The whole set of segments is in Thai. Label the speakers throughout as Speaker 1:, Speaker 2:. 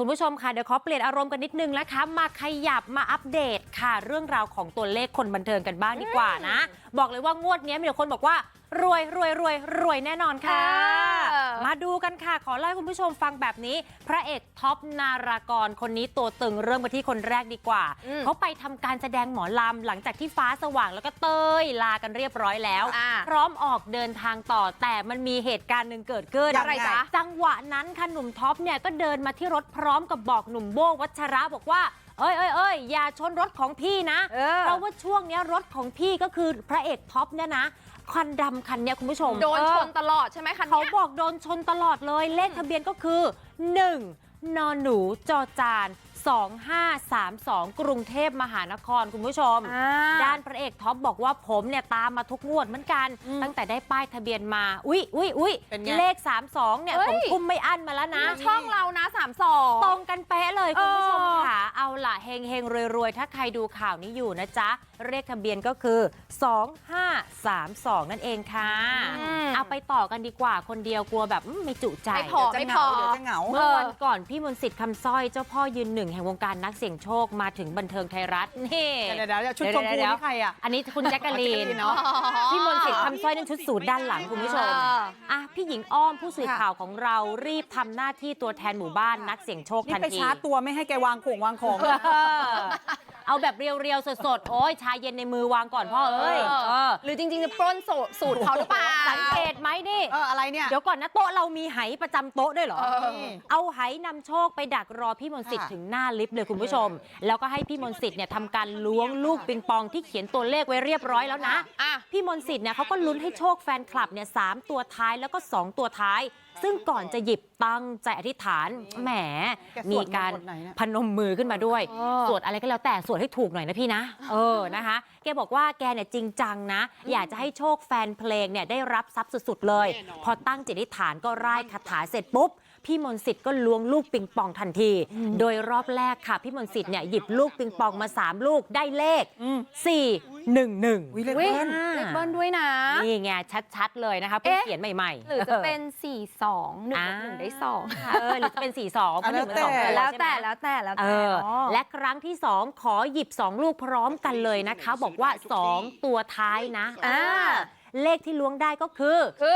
Speaker 1: คุณผู้ชมค่ะเดี๋ยวขอเปลี่ยนอารมณ์กันนิดนึงนะคะมาขยับมาอัปเดตค่ะเรื่องราวของตัวเลขคนบันเทิงกันบ้างดีกว่านะบอกเลยว่างวดนี้มีแต่คนบอกว่ารวยแน่นอนค่ะมาดูกันค่ะขอเล่าให้คุณผู้ชมฟังแบบนี้พระเอกท็อปนารากรคนนี้ตัวตึงเริ่มกันที่คนแรกดีกว่าเขาไปทำการแสดงหมอลำหลังจากที่ฟ้าสว่างแล้วก็เต้ยลากันเรียบร้อยแล้วพร้อมออกเดินทางต่อแต่มันมีเหตุการณ์หนึ่งเกิดขึ้นอะไรจ๊ะจังหวะนั้นค่ะหนุ่มท็อปเนี่ยก็เดินมาที่รถพร้อมกับบอกหนุ่มโบ้วัชระบอกว่าเอ้ยอย่าชนรถของพี่นะเพราะว่าช่วงนี้รถของพี่ก็คือพระเอกท็อปเนี่ยนะคันดำคันนี้คุณผู้ชม
Speaker 2: โดนชนตลอดใช่ไหมคันนี้
Speaker 1: เขาบอกโดนชนตลอดเลยเลขทะเบียนก็คือ1นหนูจอจาน2532กรุงเทพมหานครคุณผู้ชมด้านพระเอกท็อปบอกว่าผมเนี่ยตามมาทุกงวดเหมือนกันตั้งแต่ได้ป้ายทะเบียนมาอุ๊ยเลข32เนี่ยผมทุ่มไม่อั้นมาแล้วนะ
Speaker 2: ช่องเรานะ32
Speaker 1: ตรงกันเป๊ะเลยคุณผู้ชมค่ะเอาล่ะเฮงรวยถ้าใครดูข่าวนี้อยู่นะจ๊ะเลขทะเบียนก็คือ2532นั่นเองค่ะเอาไปต่อกันดีกว่าคนเดียวกลัวแบบไม่จุใจ
Speaker 2: ไม่พอเดี๋ยวจะเหงา
Speaker 1: เมื่อวันก่อนพี่มนต์สิทธิ์คำสร้อยเจ้าพ่อยืนหนึ่งแห่งวงการนักเสี่ยงโชคมาถึงบันเทิงไทยรัฐนี่
Speaker 3: เดี๋ยวชุดชมพูนี่ใครอ่ะ
Speaker 1: อันนี้คุณแจ๊กกะลีนเนาะพี่มนต์สิทธิ์คำสร้อยนั่นชุดสูทด้านหลังคุณผู้ชมพี่หญิงอ้อมผู้สื่อข่าวของเรารีบทำหน้าที่ตัวแทนหมู่บ้านนักเสี่ยงโชคทันที
Speaker 3: ไปชาร์จตัวไม่ให้แกวางของ
Speaker 1: เอาแบบเรียวๆสดๆโอ้ยชาเย็นในมือวางก่อนพ่อเอ้ย
Speaker 2: หรือจริงๆจะปล้นสูตรเขาหรือเปล่า
Speaker 1: สังเกตไหมนี่
Speaker 3: อะไรเนี่ย
Speaker 1: เดี๋ยวก่อนนะโต๊ะเรามีไหประจำโต๊ะด้วยเหรอเอาไหนำโชคไปดักรอพี่มนต์สิทธิ์ถึงหน้าลิฟต์เลยคุณผู้ชมแล้วก็ให้พี่มนต์สิทธิ์เนี่ยทำการล้วงลูกปิงปองที่เขียนตัวเลขไว้เรียบร้อยแล้วนะพี่มนต์สิทธิ์เนี่ยเขาก็ลุ้นให้โชคแฟนคลับเนี่ย3ตัวท้ายแล้วก็2ตัวท้ายซึ่งก่อนจะหยิบตั้งใจอธิษฐานแหมมีการพนมมือขึ้นมาด้วยสวดอะไรก็แล้วแต่สวดให้ถูกหน่อยนะพี่นะนะคะแกบอกว่าแกเนี่ยจริงจังนะอยากจะให้โชคแฟนเพลงเนี่ยได้รับทรัพย์สุดๆเลยพอตั้งจิตอธิษฐานก็ร่ายคาถาเสร็จปุ๊บพี่มนต์สิทธิ์ก็ล้วงลูกปิงปองทันทีโดยรอบแรกค่ะพี่มนต์สิทธิ์เนี่ยหยิบลูกปิงปองมา3ลูกได้เลข411
Speaker 3: เลขเ
Speaker 2: บิ้ลด้วยนะ
Speaker 1: นี่ไงชัดๆเลยนะคะเพิ่งเขียนใหม่ๆ
Speaker 2: หรือจะเป็น42 1ได้2
Speaker 1: หรือจะเป็น42เพราะ1 2
Speaker 2: แล้วแต่
Speaker 1: และครั้งที่2ขอหยิบ2ลูกพร้อมกันเลยนะคะบอกว่า2ตัวท้ายนะเลขที่ล้วงได้ก็คือ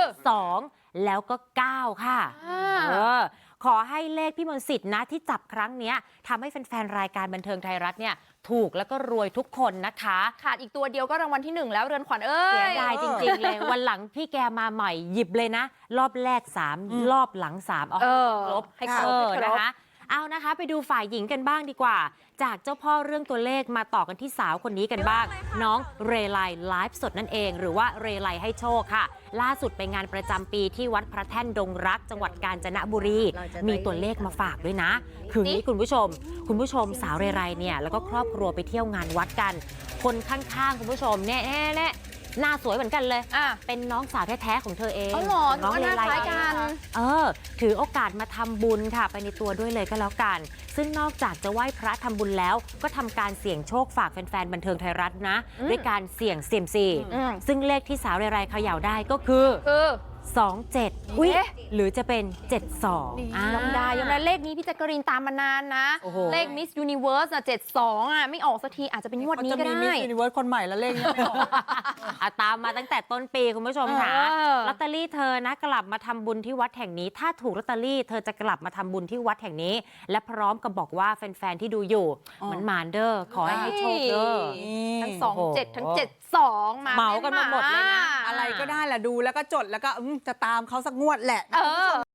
Speaker 1: 2แล้วก็9ค่ะขอให้เลขพี่มนต์สิทธิ์นะที่จับครั้งนี้ทำให้แฟนๆรายการบันเทิงไทยรัฐเนี่ยถูกแล้วก็รวยทุกคนนะคะ
Speaker 2: ขาดอีกตัวเดียวก็รางวัลที่1แล้วเรือนขวัญ
Speaker 1: เสียดายจริงๆเลยวันหลังพี่แกมาใหม่หยิบเลยนะรอบแรก3รอบหลัง3เอาครบให้ครบนะคะเอานะคะไปดูฝ่ายหญิงกันบ้างดีกว่าจากเจ้าพ่อเรื่องตัวเลขมาต่อกันที่สาวคนนี้กันบ้างน้องเรไลไลฟ์สดนั่นเองหรือว่าเรไลให้โชคค่ะล่าสุดไปงานประจำปีที่วัดพระแท่นดงรักจังหวัดกาญจนบุรีมีตัวเลขมาฝากด้วยนะคือนี้คุณผู้ชมสาวเรไลเนี่ยแล้วก็ครอบครัวไปเที่ยวงานวัดกันคนข้างๆคุณผู้ชมเนี่ยหน้าสวยเหมือนกันเลยเป็นน้องสาวแท้ๆของเธอเอง
Speaker 2: น้องเรไลกัน
Speaker 1: ถือโอกาสมาทำบุญค่ะไปในตัวด้วยเลยก็แล้วกันซึ่งนอกจากจะไหว้พระทำบุญแล้วก็ทำการเสี่ยงโชคฝากแฟนๆบันเทิงไทยรัฐนะด้วยการเสี่ยงเซียมซีซึ่งเลขที่สาวเรไลเขย่าได้ก็คือ27อุ๊ยหรือจะเป็น72
Speaker 2: ยอมได้เลขนี้พี่แจ๊กกะรีนตามมานานนะเลขมิสยูนิเวิร์ส72ไม่ออกสักทีอาจจะเป็นงวดนี้ก็ได้
Speaker 3: มิสยูนิเวิร์สคนใหม่แล้วเลขนี้ไม่ออก
Speaker 1: ตามมาตั้งแต่ต้นปีคุณผู้ชมค่ะลอตเตอรี่เธอนะกลับมาทำบุญที่วัดแห่งนี้ถ้าถูกลอตเตอรี่เธอจะกลับมาทำบุญที่วัดแห่งนี้และพร้อมกับบอกว่าแฟนๆที่ดูอยู่มันมานเด้อขอให้โชคเด้อ
Speaker 2: ทั้ง27ทั้ง72
Speaker 1: เมากันมาหมดเลยนะ
Speaker 3: อะไรก็ได้แหละดูแล้วก็จดแล้วก็จะตามเขาสักงวดแหละ